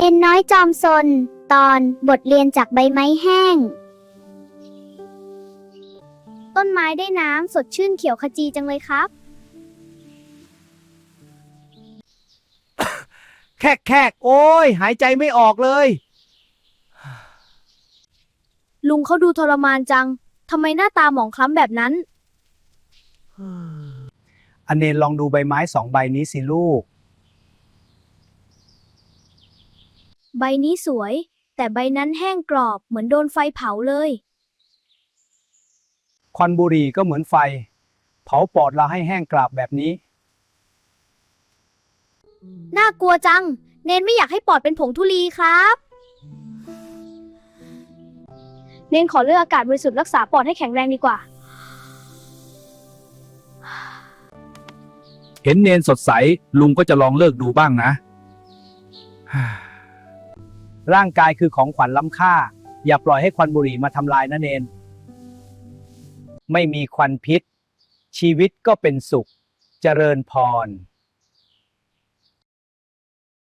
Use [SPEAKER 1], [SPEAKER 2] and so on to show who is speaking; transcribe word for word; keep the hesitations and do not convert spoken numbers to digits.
[SPEAKER 1] เอ็นน้อยจอมซนตอนบทเรียนจากใบไม้แห้งต้นไม้ได้น้ำสดชื่นเขียวขจีจังเลยครับ
[SPEAKER 2] แคกแคกโอ้ยหายใจไม่ออกเลย
[SPEAKER 3] ลุงเขาดูทรมานจัง ทำไมหน้าตาหมองคล้ำแบบนั้น
[SPEAKER 2] อเนนลองดูใบไม้สองใบนี้สิลูก
[SPEAKER 3] ใบนี้สวย แต่ใบนั้นแห้งกรอบเหมือนโดนไฟเผาเลย
[SPEAKER 2] ควันบุหรี่ก็เหมือนไฟ เผาปอดเราให้แห้งกราบแบบนี้
[SPEAKER 3] น่ากลัวจัง เนนไม่อยากให้ปอดเป็นผงธุลีครับ เนนขอเลือกอากาศบริสุทธิ์รักษาปอดให้แข็งแรงดีกว่า
[SPEAKER 4] เห็นเนนสดใสลุงก็จะลองเลิกดูบ้างนะ
[SPEAKER 2] ร่างกายคือของขวัญล้ำค่า อย่าปล่อยให้ควันบุหรี่มาทำลายนะเนน ไม่มีควันพิษ ชีวิตก็เป็นสุข เจริญพร